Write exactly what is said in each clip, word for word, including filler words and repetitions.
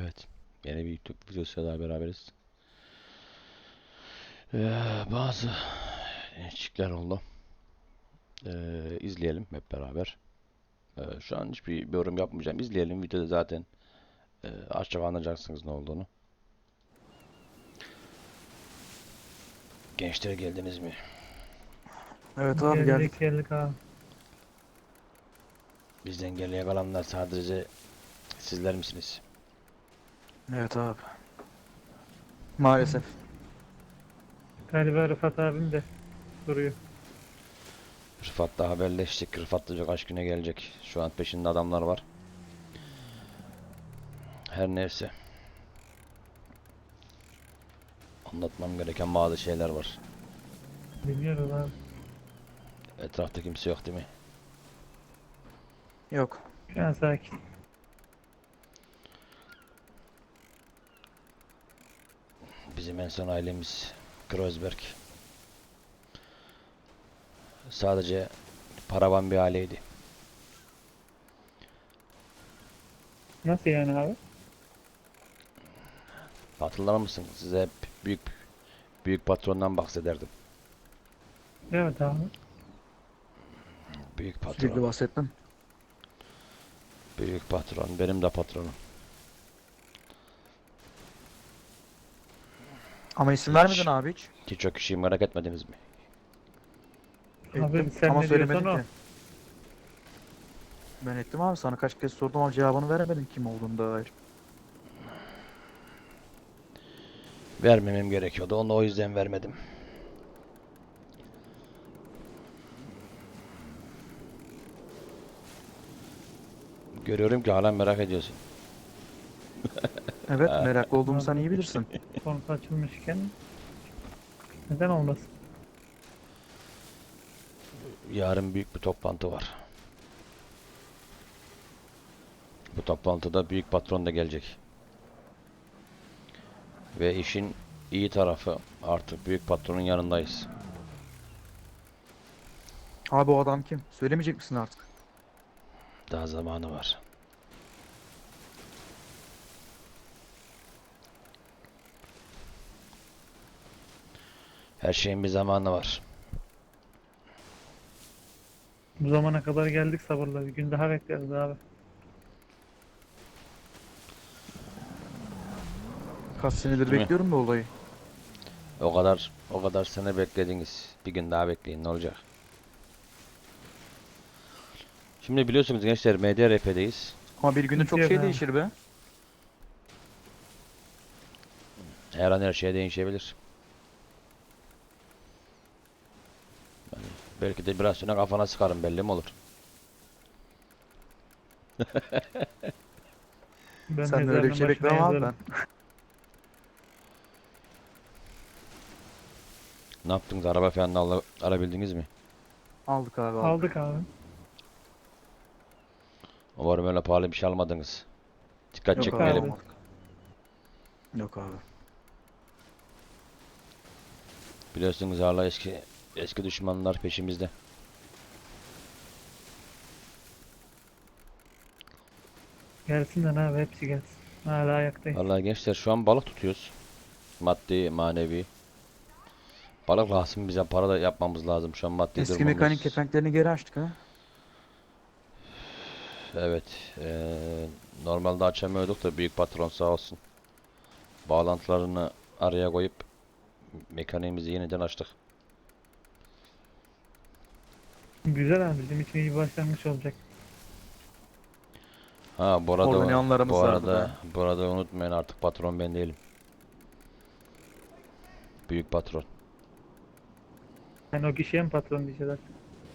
Evet. Yeni bir YouTube videosuyla daha beraberiz. Ee, bazı değişiklikler oldu. Ee, izleyelim hep beraber. Ee, şu an hiçbir bir yorum yapmayacağım. İzleyelim. Videoda zaten e, az çok anlayacaksınız ne olduğunu. Gençler geldiniz mi? Evet abi geldik. Geldik geldik abi. Bizden geriye kalanlar sadece sizler misiniz? Evet abi. Maalesef. Galiba Rıfat abim de duruyor. Rıfat'la haberleştik. Rıfat da kaç güne gelecek. Şu an peşinde adamlar var. Her neyse. Anlatmam gereken bazı şeyler var. Biliyoruz abi. Etrafta kimse yok değil mi? Yok. Şu an sakin. Bizim en son ailemiz Kreuzberg. Sadece paravan bir aileydi. Nasıl yani abi? Hatırlar mısın? Size hep büyük büyük patrondan bahsederdim. Evet abi. Büyük Sürekli patron. bahsettim. Büyük patron. Benim de patronum. Ama isim Hiç. vermedin abi hiç. Hiç o kişiyi merak etmediniz mi? Abi Ettim sen ama ne söylemedin diyorsan o. ki. Ben ettim abi, sana kaç kez sordum ama cevabını veremedin kim olduğunu dair. Vermemem gerekiyordu. Onu o yüzden vermedim. Görüyorum ki hala merak ediyorsun. Evet, meraklı olduğumu sen iyi bilirsin. Konusu açılmışken neden olmasın? Yarın büyük bir toplantı var. Bu toplantıda büyük patron da gelecek. Ve işin iyi tarafı, artık büyük patronun yanındayız. Abi o adam kim? Söylemeyecek misin artık? Daha zamanı var. Her şeyin bir zamanı var. Bu zamana kadar geldik sabırla. Bir gün daha bekleriz abi. Kaç senedir Değil mi? bekliyorum bu olayı. O kadar o kadar sene beklediniz. Bir gün daha bekleyin, ne olacak? Şimdi biliyorsunuz gençler, M D R P'deyiz. Ama bir günde çok Bitiyor şey be. değişir be. Her an her şey değişebilir. Yani belki de biraz sonra kafana sıkarım, belli mi olur? Ben Sen de öyle bir mezarının şey başına beklemem abi yazarım. ben. Ne yaptınız? Araba falan da ala- alabildiniz mi? Aldık abi aldık. Aldık abi. Umarım öyle pahalı bir şey almadınız. Dikkat Yok abi çekmeyelim. abi. almadık. Yok abi. Biliyorsunuz hala eski eski düşmanlar peşimizde. Gelsinler abi, hepsi gelsin. Hala ayaktayız. Vallahi gençler, şu an balık tutuyoruz. Maddi, manevi. Balık lazım bize, para da yapmamız lazım. Şu an maddi Eski mekanik durumumuz. kepenklerini geri açtık ha. Evet. eee, normalde açamıyorduk da büyük patron sağ olsun. Bağlantılarını araya koyup mekaniğimizi yeniden açtık. Güzel abi, bizim için iyi bir başlangıç olacak. Ha bu Orada ne arada anlarımız bu vardı arada be. bu arada unutmayın, artık patron ben değilim. Büyük patron. Yani o kişiye mi patron diyeceğiz artık?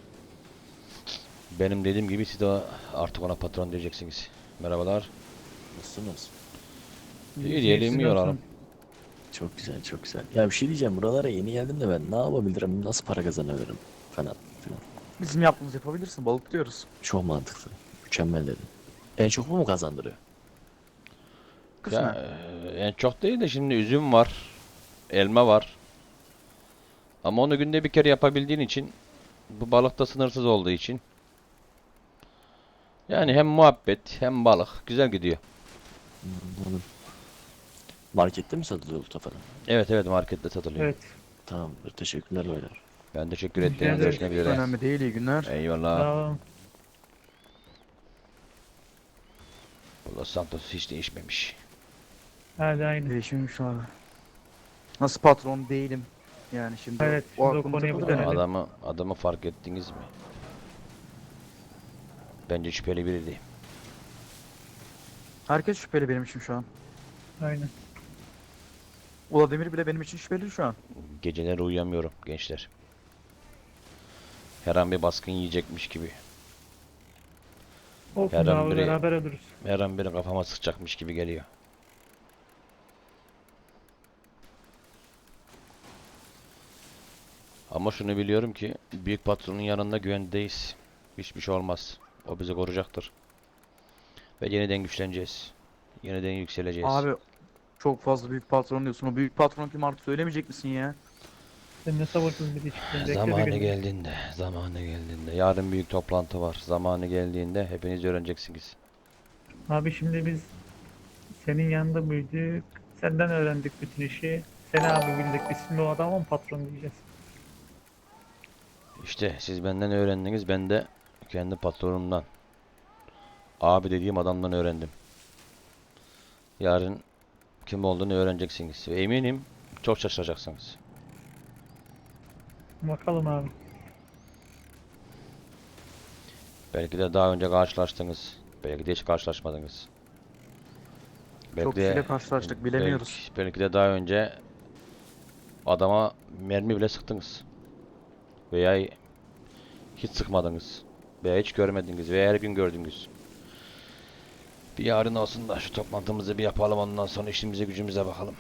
Benim dediğim gibi siz de artık ona patron diyeceksiniz. Merhabalar. Nasılsınız? İyi diyelim, Siz iyi olalım. nasılsınız? Çok güzel, çok güzel. Ya bir şey diyeceğim, buralara yeni geldim de ben ne yapabilirim, nasıl para kazanabilirim falan filan. Bizim yaptığımız yapabilirsin, balık diyoruz. Çok mantıklı, mükemmel dedim. En çok bu mu kazandırıyor? Ya Kısmen. eee, en çok değil de şimdi üzüm var, elma var. Ama onu günde bir kere yapabildiğin için, bu balık da sınırsız olduğu için, yani hem muhabbet hem balık güzel gidiyor. Anladım. Markette mi satılıyor olta falan? Evet evet, markette satılıyor. Evet. Tamamdır. Teşekkürler beyler. Ben teşekkür Rica ettim. ederim. Görüşmek üzere. Önemli değil, iyi günler. Eyvallah. Sağ olun. Los Santos hiç değişmemiş. Hadi aynı. Değişmemiş abi. Nasıl patron değilim. Yani şimdi Evet, o şimdi o aklımıza konuya bir takıldı. dönelim. Adamı adamı fark ettiniz mi? Bence şüpheli biriydi. Herkes şüpheli benim için şu an. Aynen. Vladimir bile benim için şüpheli şu an. Geceleri uyuyamıyorum gençler. Her an bir baskın yiyecekmiş gibi. Olsun Her an abi, biri- beraber oluruz. Her an biri kafama sıkacakmış gibi geliyor. Ama şunu biliyorum ki büyük patronun yanında güvendeyiz. Hiçbir şey olmaz. O bizi koruyacaktır. Ve yeniden güçleneceğiz. Yeniden yükseleceğiz. Abi çok fazla büyük patron diyorsun. O büyük patron kim artık söylemeyecek misin ya? Sen ne sabırsız bir çıktın. Bekle bir Zamanı gün. geldiğinde, zamanı geldiğinde. Yarın büyük toplantı var. Zamanı geldiğinde hepiniz öğreneceksiniz. Abi şimdi biz senin yanında büyüdük. Senden öğrendik bütün işi. Seni abi bildik. Biz şimdi o adama mı patron diyeceğiz? İşte siz benden öğrendiniz, ben de kendi patronumdan, abi dediğim adamdan öğrendim. Yarın kim olduğunu öğreneceksiniz. Ve eminim çok şaşıracaksınız. Bakalım abi. Belki de daha önce karşılaştınız. Belki de hiç karşılaşmadınız. Belki Çok de, kişiyle karşılaştık, bilemiyoruz. Belki, belki de daha önce adama mermi bile sıktınız. Veya hiç sıkmadınız. Veya hiç görmediniz. Veya her gün gördünüz. Bir yarın olsun da şu toplantımızı bir yapalım, ondan sonra işimize gücümüze bakalım.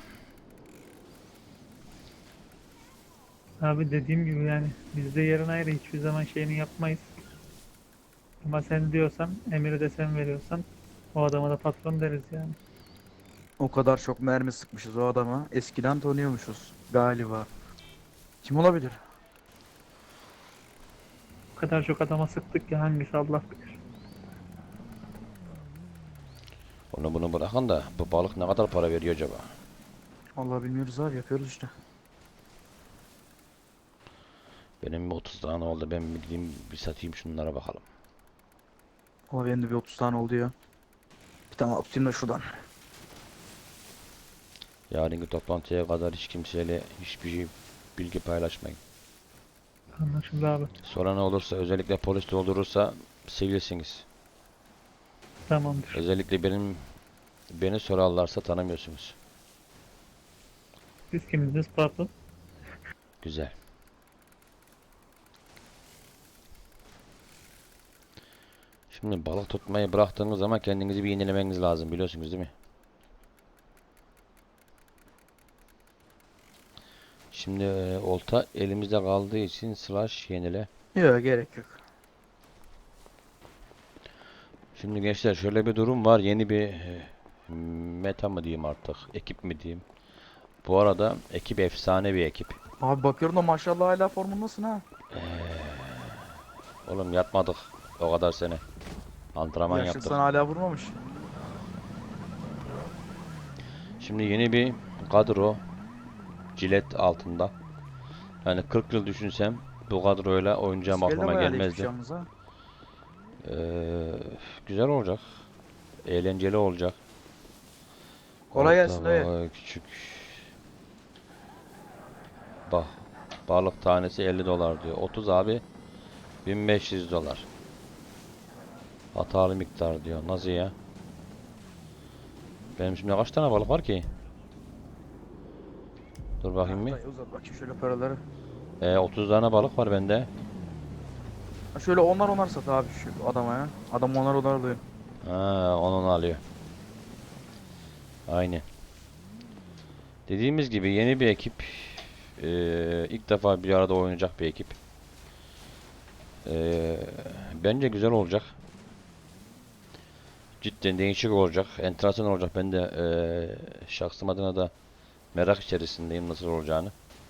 Abi dediğim gibi yani bizde yarın ayrı, hiçbir zaman şeyini yapmayız. Ama sen diyorsan, emiri de sen veriyorsan o adama da patron deriz yani. O kadar çok mermi sıkmışız o adama. Eskiden tanıyormuşuz galiba. Kim olabilir? O kadar çok adama sıktık ki hangisi Allah bilir. Onu bunu bırakın da bu balık ne kadar para veriyor acaba? Allah bilmiyoruz abi, yapıyoruz işte. Benim bir otuz tane oldu. Ben bir gideyim bir satayım şunlara bakalım. Ama benim de bir otuz tane oldu ya. Bir tane atayım da şuradan. Yarınki toplantıya kadar hiç kimseyle hiçbir şey, bilgi paylaşmayın. Anlaşıldı abi. Sonra ne olursa, özellikle polis doldurursa sevilirsiniz. Tamamdır. Özellikle benim beni sorarlarsa tanımıyorsunuz. Siz kimsiniz patron? Güzel. Şimdi balık tutmayı bıraktığınız zaman kendinizi bir yenilemeniz lazım, biliyorsunuz değil mi? Şimdi e, olta elimizde kaldığı için slash yenile. Yok, gerek yok. Şimdi gençler şöyle bir durum var. Yeni bir e, meta mı diyeyim artık, ekip mi diyeyim. Bu arada ekip efsane bir ekip. Abi bakıyorum da maşallah hala formundasın ha. Oğlum yatmadık o kadar sene. Antrenman Yaşlı yaptık. sana hala vurmamış. Şimdi yeni bir kadro cilet altında. Yani kırk yıl düşünsem bu kadroyla oynayacağım İskele aklıma bayağı değişmiş gelmezdi. yalnız ha. Ee, güzel olacak. Eğlenceli olacak. Kolay Orta gelsin dayı. boy, küçük. Bak, balık tanesi elli dolar diyor. otuz abi bin beş yüz dolar. Hatalı miktar diyor. Nasıl ya? Benim şimdi kaç tane balık var ki? Dur bakayım bir. Dayı uzat bakayım şöyle paraları. Ee, otuz tane balık var bende. Ha şöyle onlar onar sat abi şu adama ya. Adam onar onar alıyor. Ha, onu alıyor. Aynen. Dediğimiz gibi yeni bir ekip. Ee, ilk defa bir arada oynayacak bir ekip. Ee, bence güzel olacak. Cidden değişik olacak. Enteresan olacak. Ben de ee, şahsım adına da merak içerisindeyim nasıl olacağını.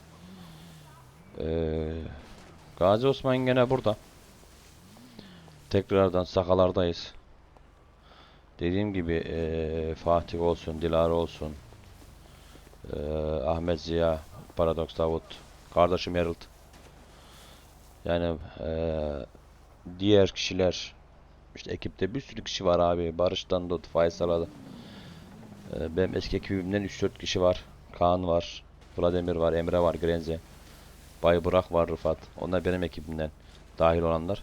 Ee, Gazi Osman gene burada. Tekrardan sakalardayız. Dediğim gibi ee, Fatih olsun, Dilara olsun. Ee, Ahmet Ziya, Paradox Davut, kardeşim Harold. Yani eee, diğer kişiler, işte ekipte bir sürü kişi var abi. Barış'tan tut, Faysal'a da. Ee, benim eski ekibimden üç dört kişi var. Kaan var, Vladimir var, Emre var, Grenze. Bay Burak var, Rıfat. Onlar benim ekibimden dahil olanlar.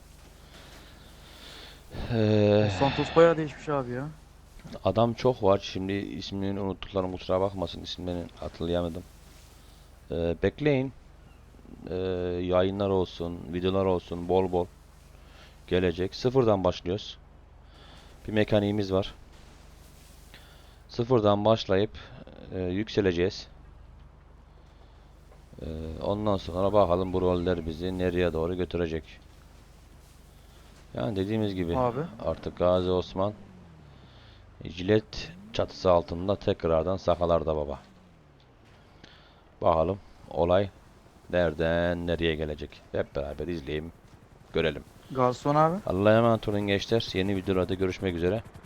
Ee, O Santos bayağı değişmiş abi ya. adam çok var. Şimdi ismini unuttuklarım kusura bakmasın. İsimlerini hatırlayamadım. Ee, bekleyin. Ee, yayınlar olsun, videolar olsun bol bol gelecek. Sıfırdan başlıyoruz. Bir mekaniğimiz var. Sıfırdan başlayıp e, yükseleceğiz. E, ondan sonra bakalım bu roller bizi nereye doğru götürecek. Yani dediğimiz gibi Abi. artık Gazi Osman jilet çatısı altında tekrardan sakalarda baba. Bakalım olay nereden nereye gelecek. Hep beraber izleyelim, görelim. Garson abi. Allah'a emanet olun gençler. Yeni videolarda görüşmek üzere.